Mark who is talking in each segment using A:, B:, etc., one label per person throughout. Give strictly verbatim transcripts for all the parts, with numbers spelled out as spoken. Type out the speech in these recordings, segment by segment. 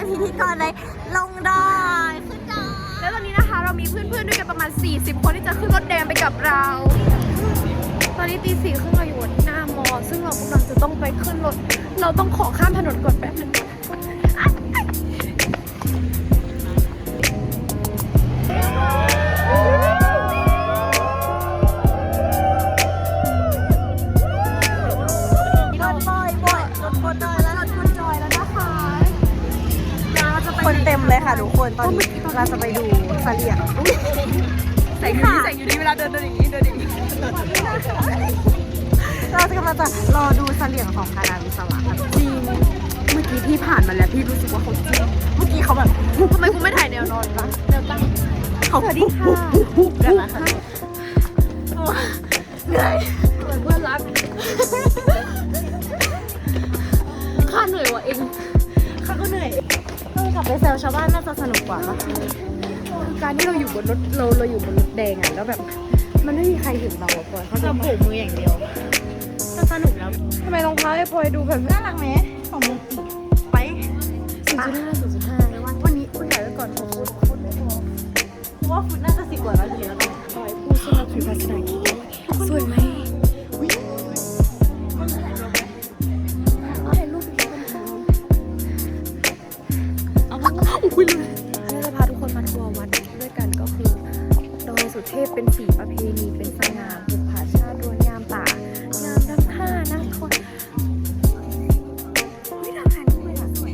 A: พิธีกรเลยลงดอยขึ้นดอยแล้วตอนนี้นะคะเรามีเพื่อนๆด้วยกันประมาณสี่สิบคนที่จะขึ้นรถแดงไปกับเรา ตอนนี้ตีสี่ครึ่งเราอยู่ที่หน้ามอซึ่งเรากำลังจะต้องไปขึ้นรถเราต้องขอข้ามถนนก่อนแป๊บนึง
B: คนเต็มเลยค่ะทุกคนตอนนี้เราจะไปดูเสลี่ยง
A: ใส่อยู่นี่ใส่อยู่นี่เวลาเดินเดินอย่างนี้เดินอย่างนี้
B: เราจะกำลังจะรอดูเสลี่ยงของคณะวิศวะ
A: จริงเมื่อกี้พี่ผ่านมาแล้วพี่รู้สึกว่าเขาจริง
B: เมื่อกี้เขาแบบ
A: ทำไมคุณไม่ถ่ายแนวนอนคะแนวตั้ง
B: เขาสวัสดีค่ะกันนะคะเหนื่อย
A: เหมือนเพื่อนรักข้าเหนื่อยว่ะเอง
B: ข้าก็เหนื่อยกลับไปแซวชาวบ้านน่าจะสนุกกว่าปะ
A: การที่เราอยู่บนรถเราเราอยู่บนรถแดงอ่ะแล้วแบบมันไม่มีใครเห็นเราอะพลอยเขา
B: จะโผล่มืออย่างเดียวก็สนุกแล้ว
A: ทำไมรองเท้าไอ้พลอยดูแบบ
B: น่ารักไหมของมึงไป
A: ศูนย์จุดห้าศูนย์จุดห้า
B: วันนี้คุณถ่ายไว้ก่อนผมพูดพูดไม่พอเพราะว่าคุณน่าจะสิบกว่านาทีแล้วกัน
A: พลอยพูดซึ่งเราถือภาษาอังกฤษสวยไหมคุยเลยเราจะพาทุกคนมาทัวร์วัดด้วยกันก็คือดอยสุเทพเป็นสีประเพณีเป็นสง่าบุพชาติรวนงามป่างามน้ำท่าน้ำคนไม่ทำแผนด้วยล่ะสวย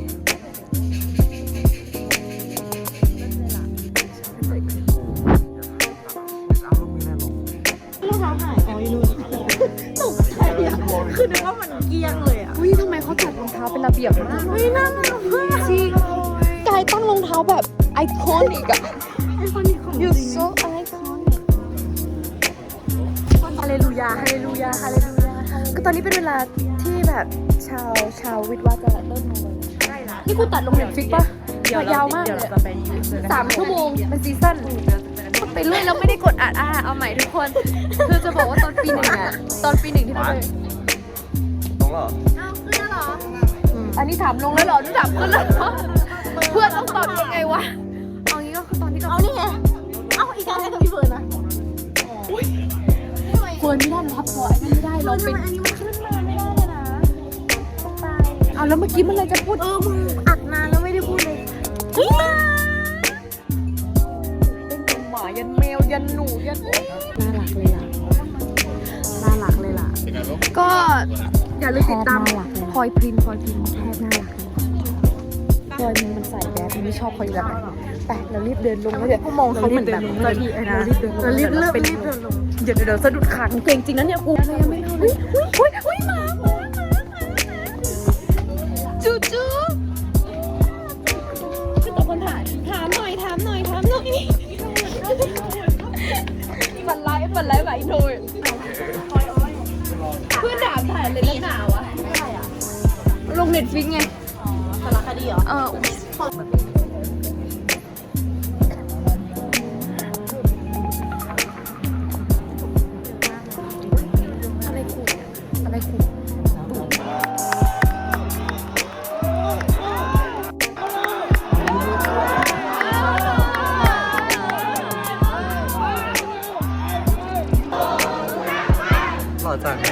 B: รองเท้าหายอ๋ออยู่นู่นตกใจอ่ะคือนึกว่ามันเกี้ยงเลยอ่ะ
A: อุ้ยทำไมเขาจัดรองเท้าเป็นระเบียบมาก
B: อุ้ยน่ารักมาก
A: จริงกายตั้งรองเท้าแบบไอคอนิกอะ
B: ไอคอนิกของ
A: you so iconic
B: ฮาเลลูยาฮาเลลูยาฮาเลลูยา
A: ก็ตอนนี้เป็นเวลาที่แบบชาวชาววิทย์ว่าจะเริ่มลงเลยใช่ละนี่กูตัดลงเน็ตฟิกปะยาวมากเลยสามชั่วโมงเป็นซีซั่นไปเรื่อยแล้วไม่ได้กดอัดอ่ะเอาใหม่ทุกคนคือจะบอกว่าตอนปีหนึ่งอะตอนปีหนึ่งที่เราไป
C: ลงแล้ว
A: อ้าวขึ้นแล้วเหรออันนี้ถามลงแล้วเหรอนี่ถามขึ้นแล้วเหรอเพื่อนต้องตอบยังไงวะเอางี้ก็คือตอนที่เรา
B: เอานี่ไงเอาอีกการให้กับพี่เฟิร์นนะ
A: เฟิร์นไม่ได้นะครับพอไอ้ไม่ได้เราเป็น
B: อันนี้มันขึ้นมาไม่ได้เลยนะต้องตาย
A: เอาแล้วเมื่อกี้มันเลยจะพูด
B: เออมึงอัดนานแล้วไม่ได้พูดเลยเฮ้ยมา
A: เป็นยันหมายันแมวยันหนูยัน
B: น่ารักเลยล่ะน่ารักเลยล่ะ
A: ก็อย่าลืมติดตามพลอยพรินพลอยพรินแทบน่ารักพลอยมันใส่แบดไม่ชอบพลอยแบบไหนแต่เรารีบเดินลงแล้วเดี๋ยว
B: มองเขาเหมือนแบบเจ้าที่นะ
A: เรารีบเดินลงเรารีบเดินลงเดี๋ยวเดี๋ยวสะดุดขาเก่งจริงนะเนี่ยกูอะไรยังไม่รู้เลยอุ้ยอุ้ยอุ้ยมาจูจูคือตะคนถามถามหน่อยถามหน่อยถามหน่อยฝันร้ายฝันร้ายไหวโดยเพื่อนด่าถ่ายเลยแล้วหนาวะลงเน็ตฟิกไง
B: อ๋อสารคดีเหรอ
A: เอออะไรขู่อะไรขู่
C: หล่อจัง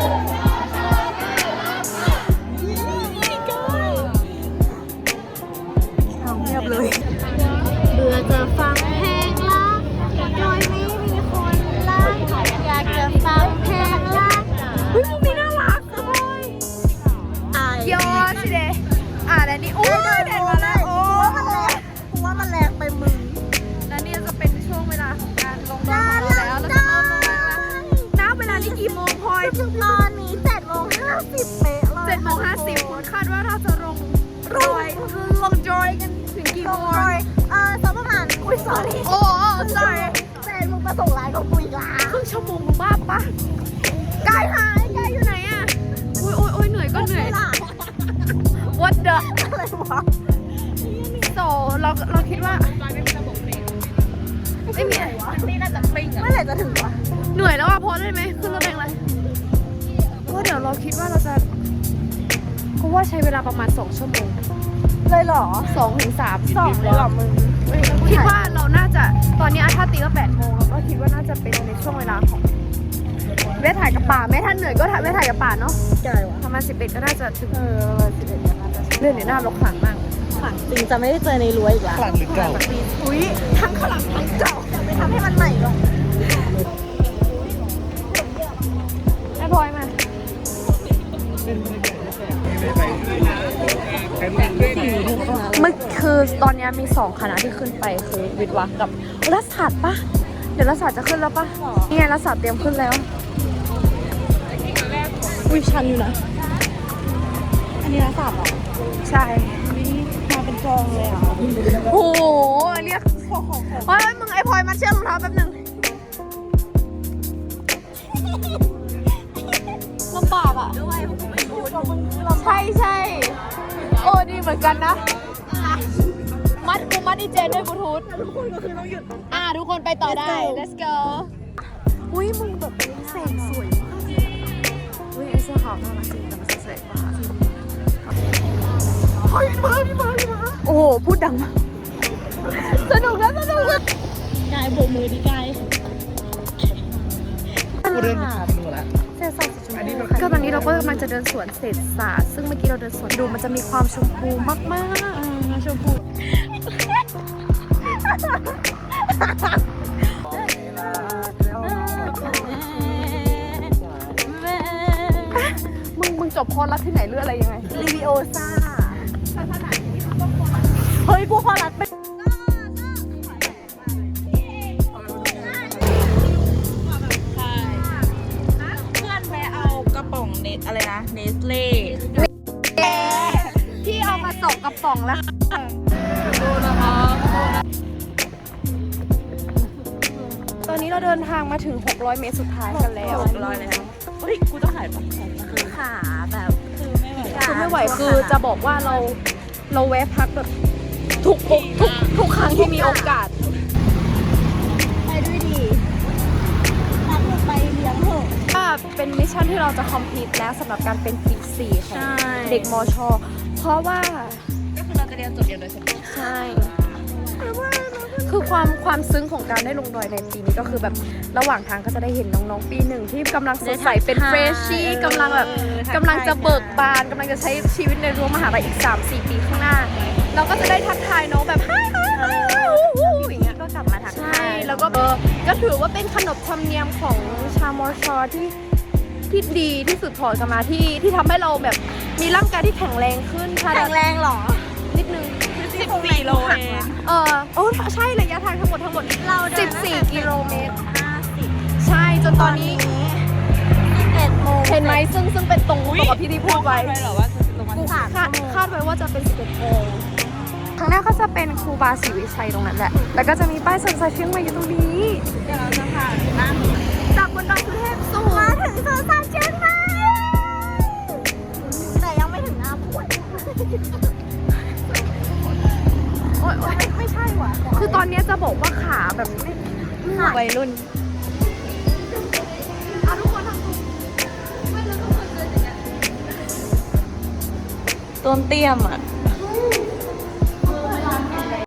B: เลยเบื่อจะฟังเพลงรักโดยไม่มีคนรักอยากจะฟังเพลงรัก
A: เฮ้ยมุมนี้น่ารักเลยยอดสิเดอ่ะแล้วนี่โอ้ยเด็ดมาแล้วโอ้
B: เพราะว่ามันแรงไปมึง
A: แล้วนี่จะเป็นช่วงเวลาของการลงดอยของเราแล้วแล้วก็เริ่มลงแล้วน้าเวลานี้กี่โมงพลอย
B: ตอนนี้เจ็ดโมงห้าสิบเป๊ะเลย
A: เจ็ดโมงห้าสิบคุณคาดว่าเราจะลงดอยลงดอยกันถึงกี่โมง
B: เออสักประมาณอุ้ย sorry
A: โอ้ sorry
B: แฟนมึงมาส่งไลน์กับกูอีกแล้ว
A: ครึ่งชั่วโมงมึงบ้าปะกายหายกายอยู่ไหนอะอุ้ยอุ้ยอุ้ยเหนื่อยก็เหนื่อย what the
B: อะไรวะ
A: โซเราเราคิดว่าไม่มี
B: นี่น่าจะปิ้งอะเมื่อไหร่จะถึงวะ
A: เหนื่อยแล้วอะพอได้ไหมขึ้นรถแดงเลยก็เดี๋ยวเราคิดว่าเราจะเพราะว่าใช้เวลาประมาณสองชั่วโมง
B: เลยเหรอ
A: สองถึงสาม
B: สองเลยเหรอมึง
A: คิดว่าเราน่าจะตอนนี้ถ้าตีก็แปดโมงแล้วก็คิดว่าน่าจะเป็นในช่วงเวลาของแม่ถ่ายกับป่าแม่ท่านเหนื่อยก็ถ่ายแม่ถ่ายกับป่าเนาะ
B: ใช่วะ
A: ประมาณสิบเอ็ดก็น่าจะถึง
B: เออประมาณสิบเอ็ดน่าจะ
A: เรื่องเดี๋ยวหน้ารกขลังมาก
B: ขังจริงจะไม่ได้เจอในรั้วอีกแล้ว
C: หลังหรือเก่า
B: อุ้ยทั้งขลังทั้งเก่าจะไปทำให้มันใหม่หรอก
A: ไอ้พลอยมามันคือตอนนี้มีสองคณะที่ขึ้นไปคือวิทย์วะกับรัฐศาสตร์ปะเดี๋ยวรัฐศาสตร์จะขึ้นแล้วปะนี่ไงรัฐศาสตร์เตรียมขึ้นแล้ว
B: อุ้ยชันอยู่นะ อันนี้นะสามหรอ
A: ใช่
B: มาเป็นกองเลยอ่ะ
A: โอ้โหอันเนี้ยเฮ้ยมึงไอ้พลอยมาเชือกรองเท้าแป๊บนึงลำบากอ่ะใช่ใช่โอ้ดีเหมือนกันนะ มัดกูมัดดีเจด้วยบลูทูธทุกคนก็คือต้องหยุดอ่าทุกคนไปต่อได้ let's go อุ้ยมึงแบบแสงสวยมากอุ้ยไอเสื้อขาวน่ารักจริงแต่มันแสงมากเฮ้ยมาพี่มาพี่มาโอ้โหพูดดังมากสนุกนะสนุกนะ
B: กายโบกมือดีกาย
C: กูเดินผ่านมึงแล้ว
A: เศษศาสตร์สีชมพูก็ตอนนี้เราก็กำลังจะเดินสวนเศษศาสตร์ซึ่งเมื่อกี้เราเดินสวนดูมันจะมีความชมพูมากๆชมพูมึงมึงจบคอร์สรัดที่ไหนเรื่องอะไรยังไง
B: รีวิโอซ่าเฮ้ยกูขอรัดไป
D: เพื่อนไปเอากระป๋องเนสอะไรนะเนสเล่
A: พี่เอามาตกกระป๋องแล้วตอนนี้เราเดินทางมาถึงหกร้อยเมตรสุดท้ายกันแล้ว
D: ร้อยแล้วเฮ้ยกูต้องถ่ายปะ
B: คือขาแบบคือไม่ไหว
A: คือไม่ไหวคือจะบอกว่าเราเราแวะพักแบบทุกทุกทุกทุกครั้งที่มีโอกาส
B: ไปด้วยดีรัดลงไปเลี้ยงเถอะ
A: ว่าเป็นมิชชั่นที่เราจะคอมพลีทแล้วสำหรับการเป็นปีสี่ของเด็กมช เพราะว่า
D: ก็คือเราจะเรียนจบเดียวโดยเฉพาะ
A: ใช่ คือความความซึ้งของการได้ลงดอยในปีนี้ก็คือแบบระหว่างทางก็จะได้เห็นน้องๆ ปีหนึ่งที่กำลังสดใสเป็นเฟรชชี่กำลังแบบกำลังจะเบิกบานกำลังจะใช้ชีวิตในรั้วมหาลัยอีก สามสี่ ปีข้างหน้า เราก็จะได้ทักทายน้องแบบฮ่าฮ่าฮ่าอย่างเงี้ย
B: ก็กลับมาทัก
A: ใช่
B: ทาย
A: แล้วก็เออก็ถือว่าเป็นขนบธรรมเนียมของชาวมอชอที่ที่ดีที่สุดถอดกันมาที่ที่ทำให้เราแบบมีร่างกายที่แข็งแรงขึ้นค่ะ
B: แข็งแรงเหรอ
A: นิดนึง
D: สิบสี่โลเอง
A: เออโอ้ใช่ระยะทางทั้งหมดทั้งหมด
B: เราเดิน
A: สิบสี่กิโลเมตร
B: ห้าสิบ
A: ใช่จนตอนนี้
B: สิบเอ็ดโมง
A: เห็นไหมซึ่งซึ่งเป็นตรงตรงกับที่ที่พูดไว้
D: ไปเหรอว่าจะลงมา
A: กูคาดคาดไว้ว่าจะเป็นสิบเอ็ดโมงข้างหน้าก็จะเป็นครูบาศรีวิชัยตรงนั้นแหละแล้วก็จะมีป้ายสวนสัตว์เชียงใหม่อยู่ตรงนี้
D: เดี๋ยวเราจะผ่านหน้า
A: จากบนดอยสุเทพสู่
B: มาถึงสวนสัตว์เชียงใหม่แต่ยังไม่ถึงหน้าปวด
A: โอ๊ยโอ๊ยไม่ใช่ว่ะคือตอนนี้จะบอกว่าขาแบบไม่วัยรุ่นอ่ะทุกคนทำไม่เราต้องเคยเจออย่างเงี้ย
D: ต้นเตี้ยมอ่ะ